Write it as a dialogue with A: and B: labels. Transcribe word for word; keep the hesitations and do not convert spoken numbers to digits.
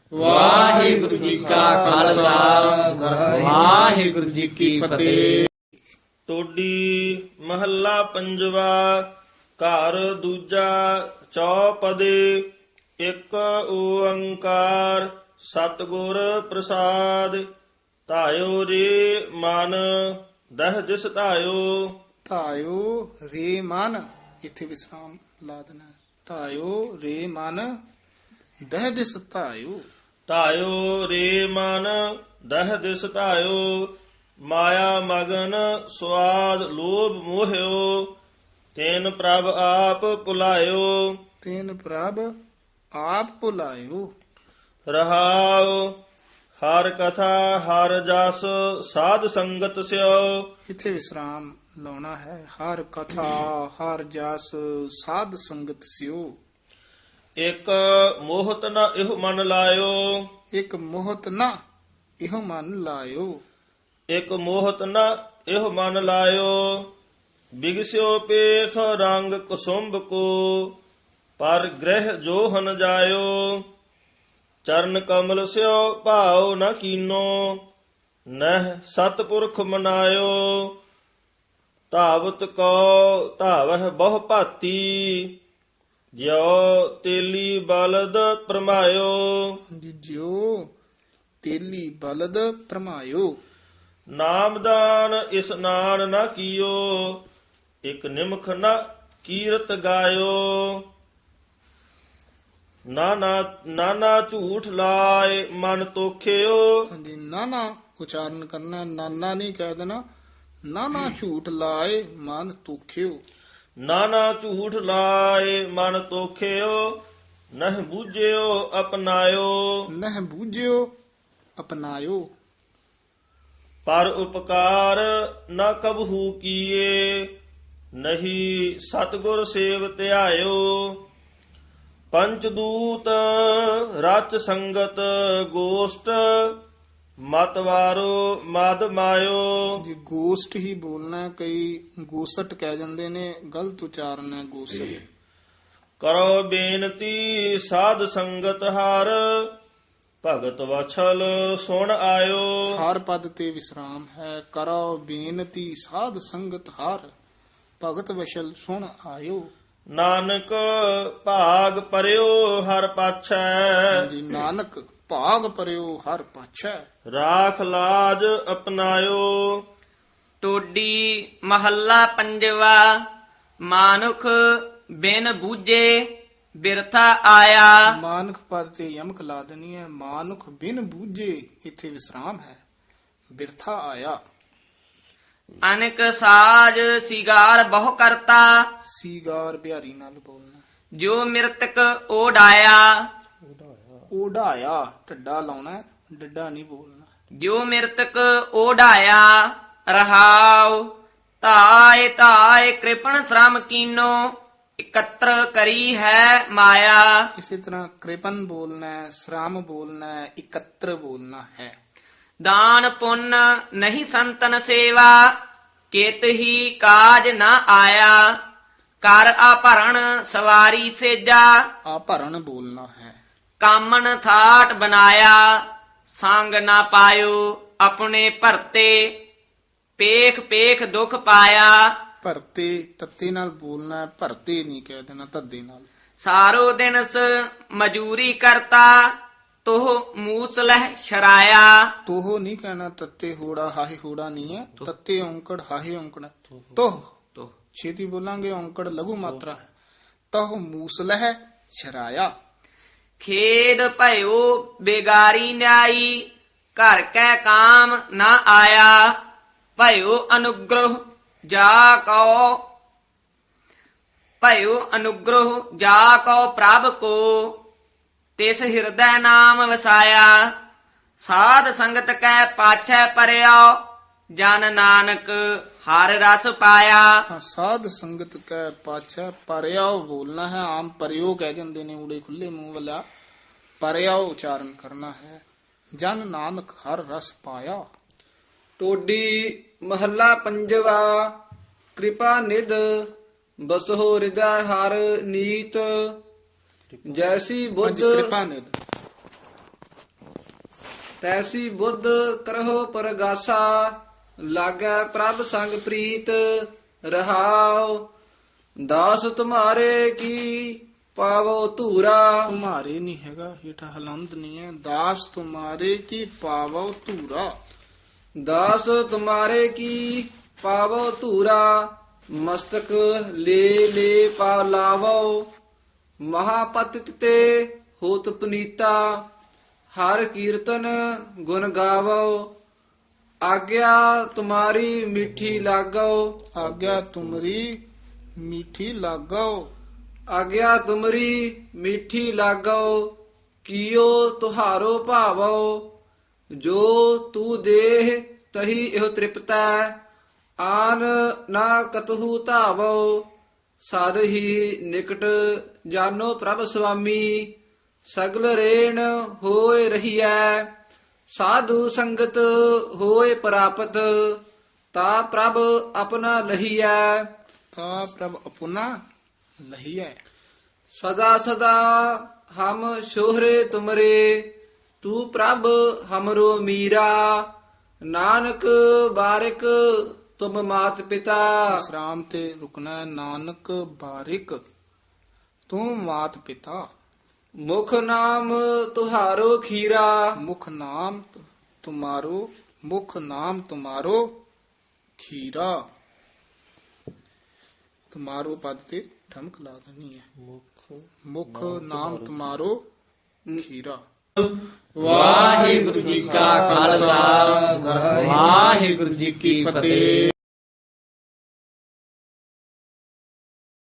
A: ਵਾਹਿਗੁਰੂ ਜੀ ਕਾ ਖਾਲਸਾ ਵਾਹਿਗੁਰੂ ਜੀ ਕੀ ਫਤਿਹ।
B: ਟੋਡੀ ਮਹੱਲਾ ਪੰਜਵਾ। ਘਰ ਦੂਜਾ ਚੌਪਦੇ। ਇੱਕ ਓੰਕਾਰ ਸਤਿਗੁਰ ਪ੍ਰਸਾਦ। ਧਾਇਓ ਰੇ ਮਨ ਦਹ ਦਿਸ ਧਾਇਓ।
C: ਧਾਇਓ ਰੇ ਮਨ, ਇੱਥੇ ਵਿਸਰਾਮ ਲਾ ਦੇਣਾ। ਧਾਇਓ ਰੇ ਮਨ ਦਹ ਦਿਸ ਧਾਇਓ।
B: ਧਾਇਓ ਰੇ ਮਨ ਦਹ ਦਿਸ ਧਾਇਓ। ਮਾਇਆ ਮਗਨ ਸਵਾਦ ਲੋਭ ਮੋਹਿਓ। ਤੈਨ ਪ੍ਰਭ ਆਪ ਭੁਲਾਇਓ।
C: ਤੈਨ ਪ੍ਰਭ ਆਪ ਭੁਲਾਇਓ।
B: ਰਹਾਉ ਹਰ ਕਥਾ ਹਰ ਜਸ ਸਾਧ ਸੰਗਤ ਸਿਓ।
C: ਇੱਥੇ ਵਿਸਰਾਮ ਲਾਉਣਾ ਹੈ। ਹਰ ਕਥਾ ਹਰ ਜਸ ਸਾਧ ਸੰਗਤ ਸਿਓ।
B: ਇਕ ਮੋਹਤ ਨ ਇਹ ਮਨ ਲਾਇਓ।
C: ਇੱਕ ਮੋਹਤ ਨਾ ਇਹੋ ਮਨ ਲਾਇਓ।
B: ਇਕ ਮੋਹਤ ਨ ਇਹ ਮਨ ਲਾਇਓ। ਬਿਗਸਿਓ ਪੇਖ ਰੰਗ ਕੁਸੁੰਭ ਕੋ। ਪਰ ਗ੍ਰਹਿ ਜੋਹਨ ਜਾਇਓ। ਚਰਨ ਕਮਲ ਸਿਓ ਭਾਉ ਨ ਕੀਨੋ। ਨਹਿ ਸਤਪੁਰਖ ਮਨਾਇਓ। ਧਾਵਤ ਕੋ ਧਾਵਹਿ ਬਹੁ ਭਾਤੀ। ਜਿਉ ਤੇਲੀ ਬਲਦ ਪਰਮਾਇਓ।
C: ਜਿਉ ਤੇਲੀ ਬਲਦ ਪਰਮਾਇਓ।
B: ਨਾਮਦਾਨ ਇਸਨਾਨ ਨ ਕੀਓ। ਇਕ ਨਿਮਖ ਨ ਕੀਰਤ ਗਾਇਓ। ਨਾਨਾ ਨਾਨਾ ਝੂਠ ਲਾਏ ਮਨ ਤੋਖਿਓ।
C: ਹਾਂਜੀ, ਨਾਨਾ ਉਚਾਰਨ ਕਰਨਾ, ਨਾਨਾ ਨਹੀਂ ਕਹਿ ਦੇਣਾ। ਨਾਨਾ ਝੂਠ ਲਾਏ ਮਨ ਤੁਖਿਓ।
B: ਨਾਨਾ ਝੂਠ ਲਾਏ ਮਨ ਤੋਖਿਓ। ਨਹਿ ਬੂਝਿਓ ਅਪਨਾਇਓ।
C: ਨਹਿ ਬੂਝਿਓ ਅਪਨਾਇਓ।
B: ਪਰ ਉਪਕਾਰ ਨ ਕਬਹੂ ਕੀਏ। ਨਹੀਂ ਸਤਿਗੁਰ ਸੇਵ ਧਿਆਇਓ। ਪੰਚਦੂਤ ਰਚ ਸੰਗਤ ਗੋਸ਼ਟ। ਮਤਵਾਰੋ ਮਦ ਮਾਇਓ।
C: ਜੀ ਗੋਸ਼ਟ ਹੀ ਬੋਲਣਾ ਹੈ, ਕਈ ਗੋਸਟ ਕਹਿ ਜਾਂਦੇ ਨੇ, ਗਲਤ ਉਚਾਰਨ ਹੈ ਗੋਸਟ।
B: ਕਰੋ ਬੇਨਤੀ ਸਾਧ ਸੰਗਤ ਹਰ। ਭਗਤ ਵਛਲ ਸੁਣ ਆਇਓ।
C: ਹਰ ਪਦ ਤੇ ਵਿਸਰਾਮ ਹੈ। ਕਰੋ ਬੇਨਤੀ ਸਾਧ ਸੰਗਤ ਹਰ। ਭਗਤ ਵਸ਼ਲ ਸੁਣ ਆਇਓ।
B: ਨਾਨਕ ਭਾਗ ਪਰਿਓ ਹਰ ਪਾਛੈ।
C: ਜੀ ਨਾਨਕ ਭਾਗ ਪਰਿਓ ਹਰ ਪਾਛੈ।
B: ਰਾਖ ਲਾਜ ਅਪਨਾਇਓ।
A: ਟੋਡੀ ਮਹੱਲਾ ਪੰਜਵਾ। ਮਾਨੁਖ ਬਿਨ ਬੂਝੇ ਬਿਰਥਾ ਆਇਆ।
C: ਮਾਨੁਖ ਪਦ ਤੇ ਯਮਕ ਲਾ ਦੇਣੀ ਹੈ। ਮਾਨੁਖ ਬਿਨ ਬੂਝੇ, ਇੱਥੇ ਵਿਸਰਾਮ ਹੈ। ਬਿਰਥਾ ਆਇਆ।
A: ਅਨਕ ਸਾਜ ਸਿਗਾਰ ਬਹੁ ਕਰਤਾ।
C: ਸੀਗਾਰ ਬਿਹਾਰੀ ਨਾਲ ਬੋਲਣਾ।
A: ਜੋ ਮਿਰਤਕ ਓਡਾਇਆ।
C: ਓਢਾਇਆ ਢੱਡਾ ਲਾਉਣਾ ਹੈ, ਡੱਡਾ ਨਹੀਂ ਬੋਲਣਾ।
A: ਜੋ ਮਿਰਤਕ ਓਡਾਇਆ। ਰਹਾਉ ਧਾਇ ਧਾਇ ਕ੍ਰਿਪਣ ਸ਼ਰਮ ਕੀਨੋ। ਇਕੱਤਰ ਕਰੀ ਹੈ ਮਾਇਆ।
C: ਇਸੇ ਤਰ੍ਹਾਂ ਕ੍ਰਿਪਨ ਬੋਲਣਾ ਹੈ, ਸ਼੍ਰਮ ਬੋਲਣਾ ਹੈ, ਇਕੱਤਰ ਬੋਲਣਾ ਹੈ।
A: ਦਾਨ ਪੁੰਨ ਨਹੀਂ ਸੰਤਨ ਸੇਵਾ। ਕਿਤ ਹੀ ਕਾਜ ਨਾ ਆਇਆ। ਕਰ ਆਭਰਣ ਸਵਾਰੀ ਸੇਜਾ।
C: ਆ ਭਰਨ ਬੋਲਣਾ ਹੈ।
A: ਕਾਮਨ ਥਾਟ ਬਨਾਇਆ। ਸੰਗ ਨਾ ਪਾਇਓ ਆਪਣੇ ਭਰਤੇ। ਪੇਖ ਪੇਖ ਦੁਖ ਪਾਇਆ।
C: ਭਰਤੇ ਤੱਤੇ ਨਾਲ ਬੋਲਣਾ ਹੈ, ਭਰਤੇ ਨਹੀਂ ਕਹਿ ਦੇਣਾ ਧੱਦੇ ਨਾਲ।
A: ਸਾਰੋ ਦਿਨਸ ਮਜੂਰੀ ਕਰਤਾ। ਤੋਹ ਮੂਸਲਹਿ ਸ਼ਰਾਇਆ।
C: ਤੋਹ ਨਹੀਂ ਕਹਿਣਾ, ਤੱਤੇ ਹੋੜਾ ਹਾਹੇ ਹੋੜਾ ਨਹੀਂ ਹੈ। ਤੱਤੇ ਔਂਕੜ ਹਾਹੇ ਔਂਕੜ ਹੈ। ਤੋਹ
A: ਤੋਹ
C: ਛੇਤੀ ਬੋਲਾਂਗੇ, ਔਂਕੜ ਲਘੂ ਮਾਤਰਾ ਹੈ। ਤੋਹ ਮੂਸਲਹਿ ਛਰਾਇਆ।
A: ਖੇਦ ਭਇਓ ਬੇਗਾਰੀ ਨਿਆਈ। ਘਰ ਕੈ ਕਾਮ ਨਾ ਆਇਆ। ਭਇਓ ਅਨੁਗ੍ਰਹ ਜਾ ਕਉ। ਭਇਓ ਅਨੁਗ੍ਰਹ ਜਾ ਕਉ ਪ੍ਰਭ ਕੋ। ਤਿਸ ਹਿਰਦੈ ਨਾਮ ਵਸਾਇਆ। ਸਾਧ ਸੰਗਤ ਕੈ ਪਾਛੈ ਪਰਿਓ। ਜਨ ਨਾਨਕ ਹਰ ਰਸ ਪਾਇਆ।
C: ਹਾਂ, ਸਾਧ ਸੰਗਤ ਕੈ ਪਾਛੈ ਪਰਿਆਉ ਬੋਲਣਾ ਹੈ। ਆਮ ਪਰਿਓ ਕਹਿ ਜਾਂਦੇ ਨੇ ਊੜੇ ਖੁੱਲੇ ਮੂੰਹ ਵਾਲਾ। ਪਰਿਆਉ ਉਚਾਰਨ ਕਰਨਾ ਹੈ। ਜਨ ਨਾਨਕ ਹਰ ਰਸ ਪਾਇਆ।
D: ਟੋਡੀ ਮਹੱਲਾ ਪੰਜਵਾ। ਕਿਰਪਾ ਨਿਧ ਬਸਹੁ ਹਿਰਦੈ ਹਰ ਨੀਤ। ਜੈਸੀ ਬੁੱਧ
C: ਹਾਂਜੀ, ਕਿਰਪਾ ਨਿਧ
D: ਤੈਸੀ ਬੁੱਧ ਕਰਹੁ ਪਰਗਾਸਾ ਲਾਗੈ ਪ੍ਰਭ ਸੰਗ ਪ੍ਰੀਤ ਰਹਾਉ ਦਾਸ ਤੁਮਾਰੇ ਕੀ ਪਾਵੋ ਧੂਰਾ
C: ਤੁਮਾਰੇ ਨਹੀਂ ਹੈਗਾ, ਹੇਠਾਂ ਹਲੰਦ ਨਹੀਂ ਹੈ। ਦਾਸ ਤੁਮਾਰੇ ਕੀ ਪਾਵੋ ਧੂਰਾ।
D: ਦਾਸ ਤੁਮਾਰੇ ਕੀ ਪਾਵੋ ਧੂਰਾ ਮਸਤਕ ਲੈ ਲੈ ਪਾ ਲਾਵੋ ਮਹਾਪਤਿਤ ਤੇ ਹੋਤ ਪਨੀਤਾ ਹਰ ਕੀਰਤਨ ਗੁਣ ਗਾਵੋ ਆਗਿਆ ਤੁਮਾਰੀ ਮਿੱਠੀ ਲਾਗੋ
C: ਆਗਿਆ ਤੁਮਰੀ ਮੀਠੀ ਲਾਗੋ।
D: ਆਗਿਆ ਤੁਮਰੀ ਮਿੱਠੀ ਲਾਗੋ ਕੀਓ ਤੁਹਾਰੋ ਭਾਵੋ ਜੋ ਤੂ ਦੇਹ ਤਹੀ ਇਹੋ ਤ੍ਰਿਪਤੈ ਆਨ ਨਾ ਕਤਹੂ ਧਾਵੋ ਸਦ ਹੀ ਨਿਕਟ ਜਾਨੋ ਪ੍ਰਭ ਸੁਆਮੀ ਸਗਲ ਰੇਣ ਹੋਏ ਰਹੀਐ ਸਾਧੂ ਸੰਗਤ ਹੋਏ ਪ੍ਰਾਪਤ ਤਾ ਪ੍ਰਭ ਆਪਣਾ ਲਹੀਐ
C: ਤਾ ਪ੍ਰਭ ਅਪੁਨਾ ਲਹੀਐ।
D: ਸਦਾ ਸਦਾ ਹਮ ਸ਼ੋਹਰੇ ਤੁਮਰੇ ਤੂੰ ਪ੍ਰਭ ਹਮਰੋ ਮੀਰਾ ਨਾਨਕ ਬਾਰਿਕ ਤੁਮ ਮਾਤ ਪਿਤਾ
C: ਵਿਸਰਾਮ ਤੇ ਰੁਕਣਾ ਹੈ। ਨਾਨਕ ਬਾਰਿਕ ਤੂੰ ਮਾਤ ਪਿਤਾ।
D: ਮੁਖ ਨਾਮ ਤੁਹਾਰੋ ਖੀਰਾ
C: ਮੁਖ ਨਾਮ ਤੁਮਾਰੋ ਮੁਖ ਨਾਮ ਤੁਮਾਰੋ ਖੀਰਾ। ਤੁਮਾਰੋ ਪਦ ਤੇ ਠਮਕ ਲਾ ਦੇਣੀ ਹੈ। ਮੁਖ ਨਾਮ ਤੁਮਾਰੋ ਖੀਰਾ। ਵਾਹਿਗੁਰੂ ਜੀ ਕਾ ਖਾਲਸਾ ਵਾਹਿਗੁਰੂ ਜੀ ਕੀ ਫਤਿਹ।